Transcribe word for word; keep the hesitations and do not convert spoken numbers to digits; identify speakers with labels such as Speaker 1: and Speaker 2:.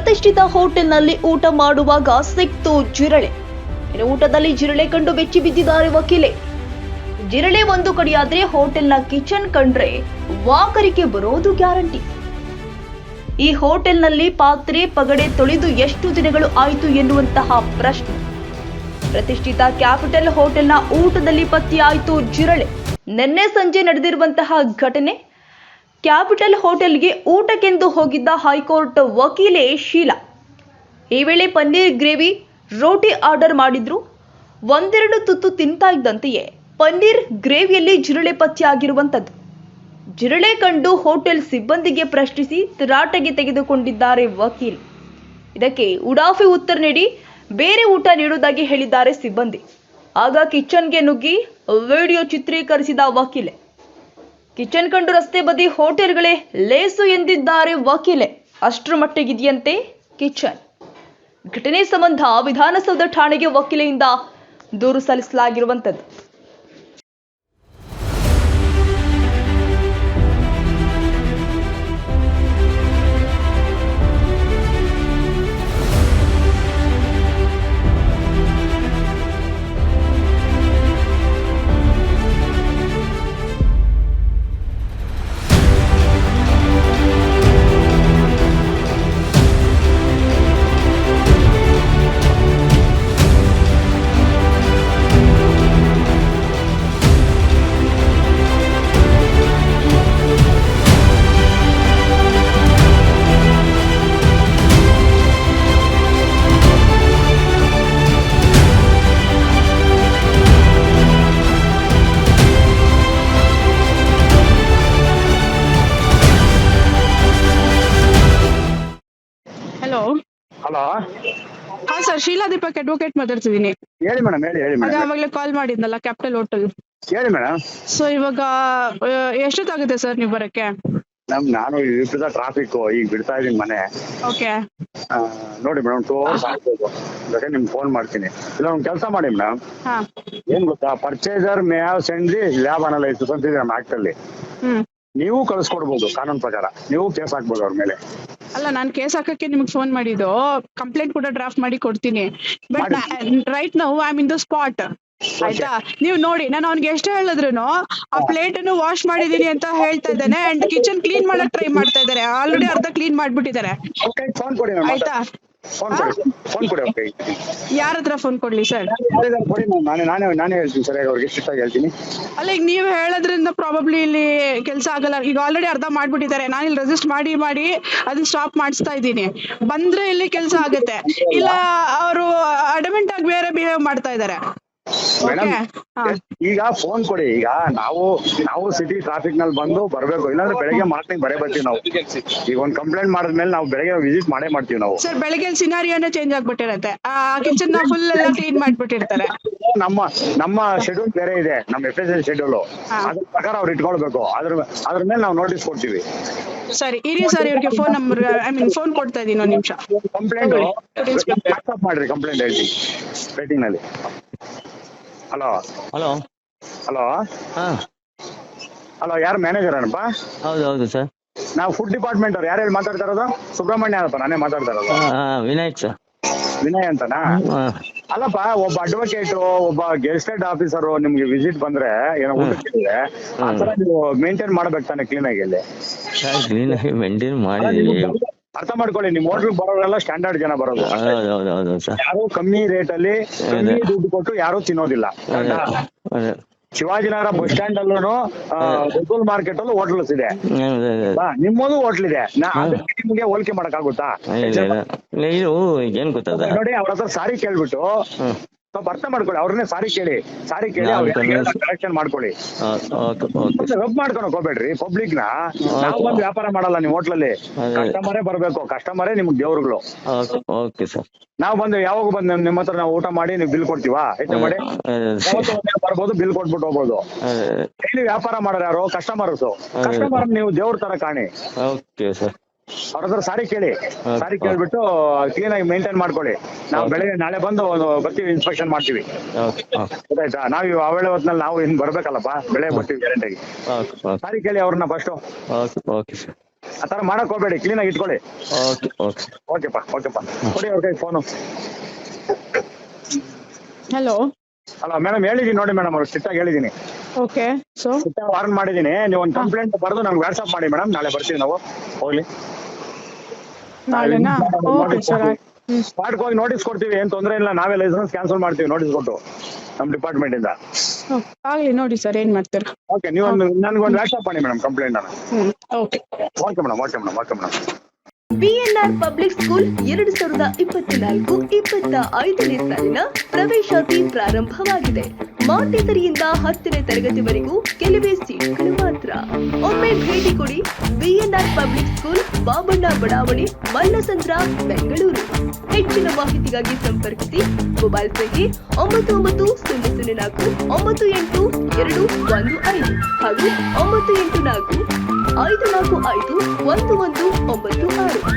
Speaker 1: ಪ್ರತಿಷ್ಠಿತ ಹೋಟೆಲ್ನಲ್ಲಿ ಊಟ ಮಾಡುವಾಗ ಸಿಕ್ತು ಜಿರಳೆ. ಇನ್ನು ಊಟದಲ್ಲಿ ಜಿರಳೆ ಕಂಡು ಬೆಚ್ಚಿ ಬಿದ್ದಿದ್ದಾರೆ ವಕೀಲೆ. ಜಿರಳೆ ಒಂದು ಕಡೆಯಾದ್ರೆ ಹೋಟೆಲ್ನ ಕಿಚನ್ ಕಂಡ್ರೆ ವಾಕರಿಕೆ ಬರೋದು ಗ್ಯಾರಂಟಿ. ಈ ಹೋಟೆಲ್ನಲ್ಲಿ ಪಾತ್ರೆ ಪಗಡೆ ತೊಳೆದು ಎಷ್ಟು ದಿನಗಳು ಆಯಿತು ಎನ್ನುವಂತಹ ಪ್ರಶ್ನೆ. ಪ್ರತಿಷ್ಠಿತ ಕ್ಯಾಪಿಟಲ್ ಹೋಟೆಲ್ನ ಊಟದಲ್ಲಿ ಪತ್ತೆಯಾಯಿತು ಜಿರಳೆ. ನಿನ್ನೆ ಸಂಜೆ ನಡೆದಿರುವಂತಹ ಘಟನೆ. ಕ್ಯಾಪಿಟಲ್ ಹೋಟೆಲ್ಗೆ ಊಟಕ್ಕೆಂದು ಹೋಗಿದ್ದ ಹೈಕೋರ್ಟ್ ವಕೀಲೆ ಶೀಲಾ. ಈ ವೇಳೆ ಪನ್ನೀರ್ ಗ್ರೇವಿ ರೋಟಿ ಆರ್ಡರ್ ಮಾಡಿದ್ರು. ಒಂದೆರಡು ತುತ್ತು ತಿಂತಾ ಇದ್ದಂತೆಯೇ ಪನ್ನೀರ್ ಗ್ರೇವಿಯಲ್ಲಿ ಜಿರಳೆ ಪತ್ತೆಯಾಗಿರುವಂಥದ್ದು. ಜಿರಳೆ ಕಂಡು ಹೋಟೆಲ್ ಸಿಬ್ಬಂದಿಗೆ ಪ್ರಶ್ನಿಸಿ ತರಾಟೆಗೆ ತೆಗೆದುಕೊಂಡಿದ್ದಾರೆ ವಕೀಲ್. ಇದಕ್ಕೆ ಉಡಾಫಿ ಉತ್ತರ ನೀಡಿ ಬೇರೆ ಊಟ ನೀಡುವುದಾಗಿ ಹೇಳಿದ್ದಾರೆ ಸಿಬ್ಬಂದಿ. ಆಗ ಕಿಚನ್ಗೆ ನುಗ್ಗಿ ವಿಡಿಯೋ ಚಿತ್ರೀಕರಿಸಿದ ವಕೀಲೆ. ಕಿಚನ್ ಕಂಡು ರಸ್ತೆ ಬದಿ ಹೋಟೆಲ್ಗಳೇ ಲೇಸು ಎಂದಿದ್ದಾರೆ ವಕೀಲೆ. ಅಷ್ಟರ ಮಟ್ಟಿಗಿದೆಯಂತೆ ಕಿಚನ್. ಘಟನೆ ಸಂಬಂಧ ವಿಧಾನಸೌಧ ಠಾಣೆಗೆ ವಕೀಲೆಯಿಂದ ದೂರು ಸಲ್ಲಿಸಲಾಗಿರುವಂಥದ್ದು.
Speaker 2: ಹಲೋ
Speaker 3: ಹಲೋ
Speaker 2: ಹಾ ಸರ್, ಶೀಲಾ ದೀಪಕ್ ಅಡ್ವೊಕೇಟ್ ಮಾತಾಡ್ತಿದ್ದೀನಿ.
Speaker 3: ಹೇಳಿ ಮೇಡಮ್, ಹೇಳಿ ಹೇಳಿ
Speaker 2: ಅದೇ
Speaker 3: ಮೇಡಮ್,
Speaker 2: ಅವಾಗಲೇ ಕಾಲ್ ಮಾಡಿದ್ನಲ್ಲ ಕ್ಯಾಪಿಟಲ್ ಹೋಟೆಲ್.
Speaker 3: ಹೇಳಿ ಮೇಡಮ್.
Speaker 2: ಸೊ ಇವಾಗ ಆ, ಎಷ್ಟೊತ್ತಾಗುತ್ತೆ ಸರ್ ನೀವು ಬರಕ್ಕೆ?
Speaker 3: ನಮ್ ನಾನು ವಿಪರೀತ ಟ್ರಾಫಿಕ್, ಈಗ ಬಿಡ್ತಾ ಇದೀನಿ ಮನೆ.
Speaker 2: ಓಕೆ
Speaker 3: ಆ, ನೋಡಿ ಮೇಡಮ್, ಟೂ ಅವರ್ಸ್ ಆಗ್ಬೋದು. ಬೇಕಾದ್ರೆ ನಿಮ್ಗೆ ಫೋನ್ ಮಾಡ್ತೀನಿ. ಇಲ್ಲ ಒಂದು ಕೆಲಸ ಮಾಡಿ ಮೇಡಮ್,
Speaker 2: ಹಾ
Speaker 3: ಏನ್ ಗೊತ್ತಾ, purchaser may have send the lab analysis ಅಂತಿದೆ ನಮ್ಮ ಆಕ್ಟ್ ಅಲ್ಲಿ.
Speaker 2: ಹ್ಮ್
Speaker 3: ನೀವು ಕಳಿಸ್ಕೊಡ್ಬೋದು, ಕಾನೂನು ಪ್ರಕಾರ ನೀವು ಕೇಸ್ ಹಾಕ್ಬೋದು ಅವ್ರ ಮೇಲೆ.
Speaker 2: ಅಲ್ಲ, ನಾನು ಕೇಸ್ ಹಾಕಕ್ಕೆ ನಿಮ್ಗೆ ಫೋನ್ ಮಾಡಿದ್ದು. ಕಂಪ್ಲೇಂಟ್ ಕೂಡ ಡ್ರಾಫ್ಟ್ ಮಾಡಿ ಕೊಡ್ತೀನಿ. But right now I am in the spot. ಆಯ್ತಾ? ನೀವು ನೋಡಿ, ನಾನು ಅವ್ನಿಗೆ ಎಷ್ಟು ಹೇಳಿದ್ರು ಆ ಪ್ಲೇಟ್ ಅನ್ನು ವಾಶ್ ಮಾಡಿದೀನಿ ಅಂತ ಹೇಳ್ತಾ ಇದ್ದಾನೆ. ಅಂಡ್ ಕಿಚನ್ ಕ್ಲೀನ್ ಮಾಡಕ್ ಟ್ರೈ ಮಾಡ್ತಾ ಇದಾರೆ. ಆಲ್ರೆಡಿ ಅರ್ಧ ಕ್ಲೀನ್ ಮಾಡ್ಬಿಟ್ಟಿದ್ದಾರೆ.
Speaker 3: ಫೋನ್ ಕೊಡಿ ಮೇಡಮ್,
Speaker 2: ಆಯ್ತಾ?
Speaker 3: ಫೋನ್ ಕೊಡಿ, ಫೋನ್ ಕೊಡಿ. ಓಕೆ,
Speaker 2: ಯಾರ ಹತ್ರ ಫೋನ್ ಕೊಡ್ಲಿ ಸರ್?
Speaker 3: ಕೊಡಿ ಮೇಡಮ್, ನಾನೇ ನಾನೇ ನಾನೇ ಹೇಳ್ತೀನಿ ಸರಿಯಾಗಿ ಅವ್ರಿಗೆ, ಸ್ಟ್ರಿಕ್ಟ್ ಆಗಿ ಹೇಳ್ತೀನಿ.
Speaker 2: ಅಲ್ಲ, ಈಗ ನೀವ್ ಹೇಳೋದ್ರಿಂದ ಪ್ರಾಬಬ್ಲಿ ಇಲ್ಲಿ ಕೆಲಸ ಆಗಲ್ಲ. ಈಗ ಆಲ್ರೆಡಿ ಅರ್ಧ ಮಾಡ್ಬಿಟ್ಟಿದ್ದಾರೆ. ನಾನು ಇಲ್ಲಿ ರೆಸಿಸ್ಟ್ ಮಾಡಿ ಮಾಡಿ ಅದನ್ನ ಸ್ಟಾಪ್ ಮಾಡಿಸ್ತಾ ಇದ್ದೀನಿ. ಬಂದ್ರೆ ಇಲ್ಲಿ ಕೆಲಸ ಆಗುತ್ತೆ. ಇಲ್ಲ ಅವರು ಅಡಮೆಂಟ್ ಆಗಿ ಬೇರೆ ಬಿಹೇವ್ ಮಾಡ್ತಾ ಇದ್ದಾರೆ.
Speaker 3: ಮೇಡಮ್, ಈಗ ಫೋನ್ ಕೊಡಿ. ಈಗ ನಾವು ನಾವು ಸಿಟಿ ಟ್ರಾಫಿಕ್ ನಲ್ಲಿ ಬಂದು ಬರ್ಬೇಕು, ಇಲ್ಲಾಂದ್ರೆ ಬೆಳಗ್ಗೆ ಮಾರ್ನಿಂಗ್ ಬರೇ ಬರ್ತೀವಿ ನಾವು. ಈಗ ಒಂದ್ ಕಂಪ್ಲೇಂಟ್ ಮಾಡಿದ್ಮೇಲೆ ನಾವು ಬೆಳಗ್ಗೆ ವಿಸಿಟ್ ಮಾಡೇ ಮಾಡ್ತೀವಿ ನಾವು.
Speaker 2: ಸರ್, ಬೆಳಗ್ಗೆ ಸಿನಾರಿಯೋನೇ ಚೇಂಜ್ ಆಗ್ಬಿಟ್ಟಿರತ್ತೆ. ಆ ಕಿಚನ್ ನ ಫುಲ್ ಎಲ್ಲ ಕ್ಲೀನ್ ಮಾಡ್ಬಿಟ್ಟಿರ್ತಾರೆ.
Speaker 3: ನಮ್ಮ ನಮ್ಮ ಶೆಡ್ಯೂಲ್ ಬೇರೆ ಇದೆ, ನಮ್ಮ ಎಫ್ ಎಸ್ ಎಲ್ ಶೆಡ್ಯೂಲ್. ಅದ್ರ ಪ್ರಕಾರ ಅವ್ರು ಇಟ್ಕೊಳ್ಬೇಕು. ಅದ್ರ ಅದ್ರ ಮೇಲೆ ನಾವು ನೋಟಿಸ್ ಕೊಡ್ತೀವಿ.
Speaker 2: ಸರಿ, ಇರಿ ಸರ್, ಇವ್ರಿಗೆ phone number I mean phone ಕೊಡ್ತಾ ಇದೀನಿ. ಒಂದ್ ನಿಮಿಷ
Speaker 3: ಕಂಪ್ಲೇಂಟ್ ವಾಟ್ಸ್ಆಪ್ ಮಾಡ್ರಿ, ಕಂಪ್ಲೇಂಟ್ ಹೇಳ್ತೀನಿ ರೇಟಿಂಗ್ ನಲ್ಲಿ. ಹಲೋ
Speaker 4: ಹಲೋ
Speaker 3: ಹಲೋ
Speaker 4: ಹಾ
Speaker 3: ಹಲೋ, ಯಾರು ಮ್ಯಾನೇಜರ್ ಏನಪ್ಪ?
Speaker 4: ಹೌದು ಹೌದು ಸರ್,
Speaker 3: ನಾವು ಫುಡ್ ಡಿಪಾರ್ಟ್ಮೆಂಟ್ ಅವ್ರು. ಯಾರು ಹೇಳಿ ಮಾತಾಡ್ತಾ ಇರೋದು? ಸುಬ್ರಹ್ಮಣ್ಯ ಅಲ್ಲಪ್ಪ, ನಾನೇ ಮಾತಾಡ್ತಾ ಇರೋದು.
Speaker 4: ವಿನಾಯಕ್ ಸರ್.
Speaker 3: ವಿನಯ್ ಅಂತನಾ? ಅಲ್ಲಪ್ಪ, ಒಬ್ಬ ಅಡ್ವೊಕೇಟ್, ಒಬ್ಬ ಗೆಸ್ಟೆಡ್ ಆಫೀಸರ್ ನಿಮ್ಗೆ ವಿಸಿಟ್ ಬಂದ್ರೆ ಏನೋ ಊಟಕ್ಕೆ ಆ ತರ ನೀವು ಮೇಂಟೈನ್ ಮಾಡ್ಬೇಕು ತಾನೆ ಕ್ಲೀನ್ ಆಗಿ. ಇಲ್ಲಿ
Speaker 4: ಕ್ಲೀನ್ ಆಗಿ ಮೇಂಟೈನ್ ಮಾಡಿದೀವಿ.
Speaker 3: ಅರ್ಥ ಮಾಡ್ಕೊಳ್ಳಿ, ನಿಮ್ ಹೋಟ್ಲ್ ಬರೋರೆಲ್ಲ ಸ್ಟ್ಯಾಂಡರ್ಡ್ ಜನ ಬರೋದು.
Speaker 4: ಹೌದು ಹೌದು ಹೌದು ಸರ್.
Speaker 3: ಯಾರು ಕಮ್ಮಿ ರೇಟ್ ಅಲ್ಲಿ ಕಮ್ಮಿ ದುಡ್ಡು ಕೊಟ್ಟು ಯಾರು ತಿನ್ನೋದಿಲ್ಲ.
Speaker 4: ಅದೇ
Speaker 3: ಶಿವಾಜಿನಗರ ಬಸ್ ಸ್ಟ್ಯಾಂಡ್ ಅಲ್ಲೂ ಗೋಕುಲ್ ಮಾರ್ಕೆಟ್ ಅಲ್ಲೂ ಹೋಟ್ಲ್ಸ್ ಇದೆ, ನಿಮ್ಮದು ಹೋಟ್ಲ್ ಇದೆ. ನಿಮ್ಗೆ ಹೋಲಿಕೆ ಮಾಡಕ್ ಆಗುತ್ತಾ?
Speaker 4: ಇದು ಏನ್ ಗೊತ್ತದ
Speaker 3: ನೋಡಿ, ಅವ್ರ ಹತ್ರ ಸಾರಿ ಕೇಳ್ಬಿಟ್ಟು ಸ್ವಲ್ಪ ಅರ್ಥ ಮಾಡ್ಕೊಳ್ಳಿ. ಅವ್ರನ್ನೇ ಸಾರಿ ಕೇಳಿ, ಸಾರಿ ಕೇಳಿ ಅವ್ರ ಕರೆಕ್ಷನ್ ಮಾಡ್ಕೊಳ್ಳಿ. ರಬ್ ಮಾಡ್ಕೊಳಕ್ ಹೋಗ್ಬೇಡ್ರಿ ಪಬ್ಲಿಕ್ ನ. ನಾವು ಬಂದು ವ್ಯಾಪಾರ ಮಾಡಲ್ಲ ನಿಮ್ ಹೋಟ್ಲಲ್ಲಿ. ಕಸ್ಟಮರೇ ಬರ್ಬೇಕು, ಕಸ್ಟಮರೇ ನಿಮ್ಗೆ ದೇವ್ರುಗಳು.
Speaker 4: Okay sir.
Speaker 3: ನಾವು ಬಂದು ಯಾವಾಗ ಬಂದು ನಿಮ್ಮ ಹತ್ರ ನಾವು ಊಟ ಮಾಡಿ ನೀವು ಬಿಲ್ ಕೊಡ್ತೀವಾ? ಹೆಚ್ಚು ಮಾಡಿ ಬರ್ಬೋದು, ಬಿಲ್ ಕೊಟ್ಬಿಟ್ಟು ಹೋಗ್ಬೋದು. ಡೈಲಿ ವ್ಯಾಪಾರ ಮಾಡೋರು ಯಾರು? ಕಸ್ಟಮರ್ಸ್. ಕಸ್ಟಮರ್ ನೀವು ದೇವ್ರ ತರ ಕಾಣಿ.
Speaker 4: Okay sir.
Speaker 3: ಅವ್ರ ಹತ್ರ ಸಾರಿ ಕೇಳಿ, ಸಾರಿ ಕೇಳ್ಬಿಟ್ಟು ಕ್ಲೀನ್ ಆಗಿ ಮೇಂಟೈನ್ ಮಾಡ್ಕೊಳ್ಳಿ. ನಾವು ಬೆಳಗ್ಗೆ ನಾಳೆ ಬಂದು ಬರ್ತೀವಿ, ಇನ್ಸ್ಪೆಕ್ಷನ್ ಮಾಡ್ತೀವಿ. ಗೊತ್ತಾಯ್ತಾ? ನಾವು ಆವೇಳೆ ಹೊತ್ನಲ್ಲಿ ನಾವು ಇನ್ ಬರ್ಬೇಕಲ್ಲಪ್ಪ, ಬೆಳಗ್ಗೆ ಬರ್ತೀವಿ ಗ್ಯಾರಂಟಿಯಾಗಿ. ಸಾರಿ ಕೇಳಿ ಅವ್ರನ್ನ ಫಸ್ಟ್.
Speaker 4: Okay sir.
Speaker 3: ಆ ತರ ಮಾಡಕ್ ಹೋಗ್ಬೇಡಿ, ಕ್ಲೀನ್ ಆಗಿ ಇಟ್ಕೊಳ್ಳಿ.
Speaker 4: ಓಕೆ ಓಕೆ
Speaker 3: ಓಕೆಪ್ಪ ಓಕೆಪ್ಪ ಕೊಡಿ ಅವ್ರ ಕೈ ಫೋನು.
Speaker 2: ಹಲೋ.
Speaker 3: ಅಲ್ಲ ಮೇಡಮ್ ಹೇಳಿದೀನಿ ನೋಡಿ ಮೇಡಮ್, ಅವ್ರು ಸ್ಟ್ರಿಕ್ಟ್ ಆಗಿ ಹೇಳಿದೀನಿ,
Speaker 2: ಓಕೆ. ಸೊ
Speaker 3: ಸ್ಟ್ರಿಕ್ಟ್ ಆಗಿ ವಾರ್ನ್ ಮಾಡಿದೀನಿ. ನೀವು ಒಂದು ಕಂಪ್ಲೇಂಟ್ ಬರೆದು ನಮ್ಗೆ ವಾಟ್ಸ್ಆಪ್ ಮಾಡಿ ಮೇಡಮ್, ನಾಳೆ ಬರ್ತೀವಿ ನಾವು. ಹೋಗ್ಲಿ
Speaker 2: ನಾಳೆನಾ? Okay sir.
Speaker 3: ಸ್ಪಾಟ್ಗೆ ಹೋಗಿ ನೋಟಿಸ್ ಕೊಡ್ತೀವಿ, ಏನ್ ತೊಂದರೆ ಇಲ್ಲ. ನಾವೇ ಲೈಸೆನ್ಸ್ ಕ್ಯಾನ್ಸಲ್ ಮಾಡ್ತೀವಿ ನೋಟಿಸ್ ಕೊಟ್ಟು ನಮ್ ಡಿಪಾರ್ಟ್ಮೆಂಟ್ ಇಂದ.
Speaker 2: ಆಗ್ಲಿ ನೋಡಿ ಸರ್ ಏನ್ ಮಾಡ್ತೀರಾ.
Speaker 3: ಓಕೆ, ನೀವು ಒಂದು ನನ್ಗೊಂದು ವಾಟ್ಸ್ಆಪ್ ಮಾಡಿ ಮೇಡಮ್ ಕಂಪ್ಲೇಂಟ್ ಅನ್ನ.
Speaker 2: Hmm okay.
Speaker 3: Okay madam okay madam okay madam.
Speaker 1: BNR public school ಎರಡು ಸಾವಿರದ ಇಪ್ಪತ್ನಾಲ್ಕು ಇಪ್ಪತ್ತ ಐದನೇ ಸಾಲಿನ ಪ್ರವೇಶಾತಿ ಪ್ರಾರಂಭವಾಗಿದೆ. ಮಾಂಟೆಸರಿಯಿಂದ ಹತ್ತನೇ ತರಗತಿವರೆಗೂ ಕೆಲವೇ ಸೀಟ್ಗಳು ಮಾತ್ರ. ಒಮ್ಮೆ ಭೇಟಿ ಕೊಡಿ. ಬಿಎನ್ಆರ್ ಪಬ್ಲಿಕ್ ಸ್ಕೂಲ್, ಬಾಬಣ್ಣ ಬಡಾವಣೆ, ಮಲ್ಲಸಂದ್ರ, ಬೆಂಗಳೂರು. ಹೆಚ್ಚಿನ ಮಾಹಿತಿಗಾಗಿ ಸಂಪರ್ಕಿಸಿ. ಮೊಬೈಲ್ ಸಂಖ್ಯೆ ಒಂಬತ್ತು ಒಂಬತ್ತು ಸೊನ್ನೆ ಸೊನ್ನೆ ನಾಲ್ಕು ಒಂಬತ್ತು ಎಂಟು ಎರಡು ಒಂದು ಐದು ಹಾಗೂ ಒಂಬತ್ತು ಎಂಟು ನಾಲ್ಕು ಐದು ನಾಲ್ಕು ಐದು ಒಂದು ಒಂದು ಒಂಬತ್ತು ಆರು.